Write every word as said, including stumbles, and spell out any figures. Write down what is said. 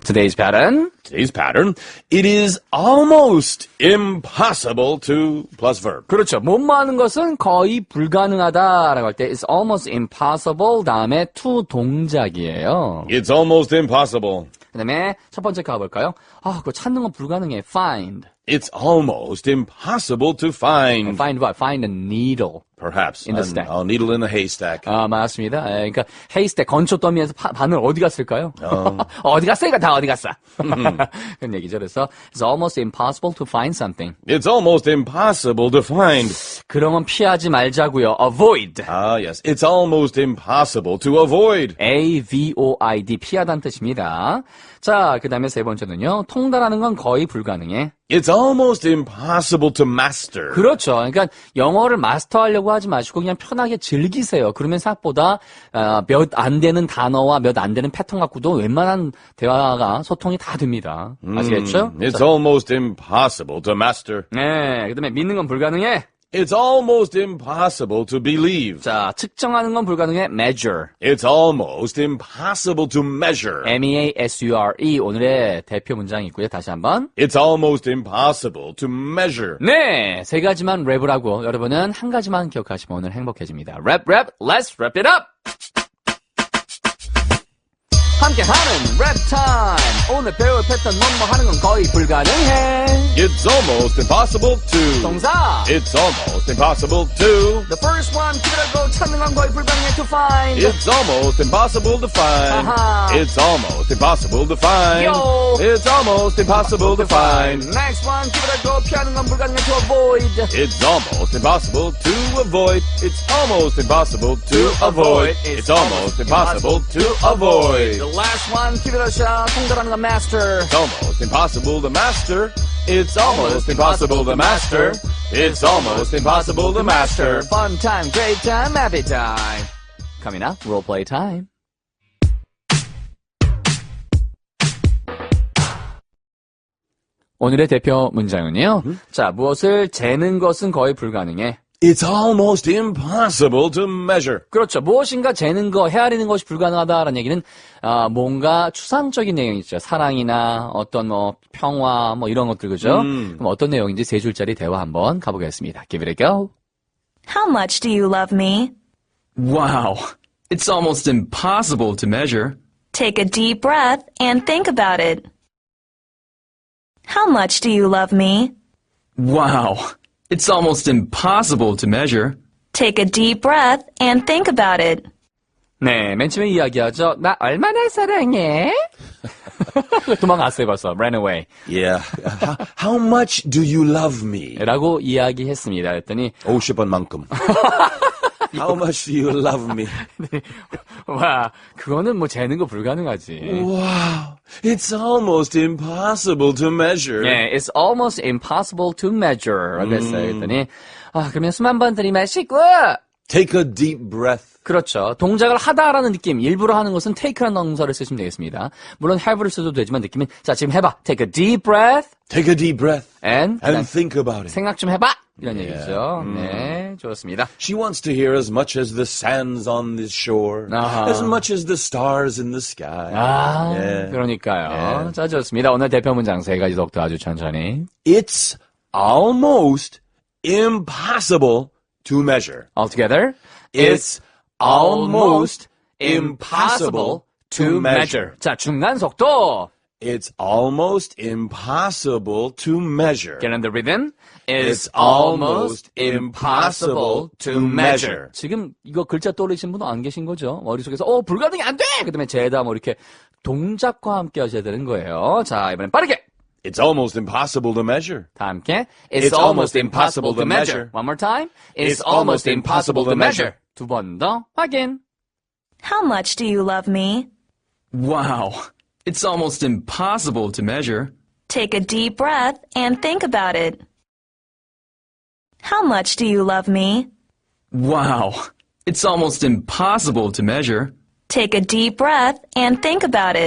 Today's pattern. Today's pattern. It is almost impossible to plus verb. 그렇죠. 뭐뭐 하는 것은 거의 불가능하다라고 할 때 it's almost impossible 다음에 to 동작이에요. It's almost impossible. 그 다음에 첫 번째 가볼까요? 아, 그거 찾는 건 불가능해. Find. It's almost impossible to find. Find what? Find a needle. Perhaps. In the a, stack. a needle in a haystack. 아, 맞습니다. 예, 그러니까 헤이스택 건초 더미에서 파, 바늘 어디 갔을까요? 어. 어디 갔어? 이거 다 어디 갔어? 그런 얘기죠. 그래서 it's almost impossible to find something. It's almost impossible to find. 그런 건 피하지 말자고요. Avoid. Ah, yes. It's almost impossible to avoid. A V O I D 피하다는 뜻입니다. 자, 그 다음에 세 번째는요. 통달하는 건 거의 불가능해. It's almost impossible to master. 그렇죠. 그러니까 영어를 마스터하려고 하지 마시고 그냥 편하게 즐기세요. 그러면 생각보다 어, 몇 안 되는 단어와 몇 안 되는 패턴 갖고도 웬만한 대화가 소통이 다 됩니다. 아시겠죠? Mm, it's 자, almost impossible to master. 네, 그다음에 믿는 건 불가능해. It's almost impossible to believe. 자, 측정하는 건 불가능해. Measure. It's almost impossible to measure. M E A S U R E 오늘의 대표 문장이 있고요. 다시 한번. It's almost impossible to measure. 네, 세 가지만 랩을 하고 여러분은 한 가지만 기억하시면 오늘 행복해집니다. 랩, 랩, let's wrap it up! 함께하는 랩 타임! 오늘 배울 패턴 뭐뭐 하는 건 거의 불가능해. It's almost impossible to. 동사. It's almost impossible to. The first one, 기다리고 찾는 건 거의 불가능해 to find. It's almost impossible to find. 아하. It's almost impossible to find. Yo. It's almost impossible to find. Next one, 기다리고 피하는 건 불가능해 to avoid. It's almost impossible to avoid. It's almost impossible to avoid. It's almost impossible to avoid. The last one, 기다려서 통달하는 건 master. It's almost impossible to master. It's almost impossible to master. It's almost impossible to master. Fun time, great time, happy time. Coming up, role play time. 오늘의 대표 문장은요. 음? 자, 무엇을 재는 것은 거의 불가능해. It's almost impossible to measure. 그렇죠. 무엇인가 재는 거, 헤아리는 것이 불가능하다라는 얘기는 아, 뭔가 추상적인 내용이죠. 사랑이나 어떤 뭐 평화 뭐 이런 것들 그죠? 음. 그럼 어떤 내용인지 세 줄짜리 대화 한번 가보겠습니다. Give it a go. How much do you love me? Wow, it's almost impossible to measure. Take a deep breath and think about it. How much do you love me? Wow, it's almost impossible to measure. Take a deep breath and think about it. 네, 맨 처음에 이야기하죠. 나 얼마나 사랑해? 도망갔어요 벌써. Ran away. Yeah. how, how much do you love me? 라고 이야기했습니다. 그랬더니 오십 번만큼. How much do you love me? 와, 그거는 뭐 재는 거 불가능하지. Wow. It's almost impossible to measure. 네, it's almost impossible to measure. 라고 했어요. 그랬더니 아, 그러면 숨 한 번 들이마시고 Take a deep breath. 그렇죠. 동작을 하다라는 느낌, 일부러 하는 것은 take라는 동사를 쓰시면 되겠습니다. 물론 have를 써도 되지만 느낌은 자, 지금 해봐. Take a deep breath Take a deep breath and, and think about it. 생각 좀 해봐. 이런 Yeah. 얘기죠. 음. 네, 좋습니다. She wants to hear as much as the sands on this shore, 아하. as much as the stars in the sky. 아, Yeah. 그러니까요. Yeah. 자, 좋습니다. 오늘 대표 문장 세 가지 독도 아주 천천히. It's almost impossible to measure. All together. It's almost impossible to measure. 자, 중간 속도. It's almost impossible to measure. Get in the rhythm. It's almost impossible to measure. 지금 이거 글자 떠올리신 분은 안 계신 거죠? 머릿속에서 어 불가능이 안 돼! 그 다음에 제다 뭐 이렇게 동작과 함께 하셔야 되는 거예요. 자, 이번엔 빠르게! It's almost impossible to measure. 다 함께 It's, It's almost impossible to measure. One more time. It's almost impossible to measure. 두 번 더 확인. How much do you love me? Wow, it's almost impossible to measure. Take a deep breath and think about it. How much do you love me? Wow, it's almost impossible to measure. Take a deep breath and think about it.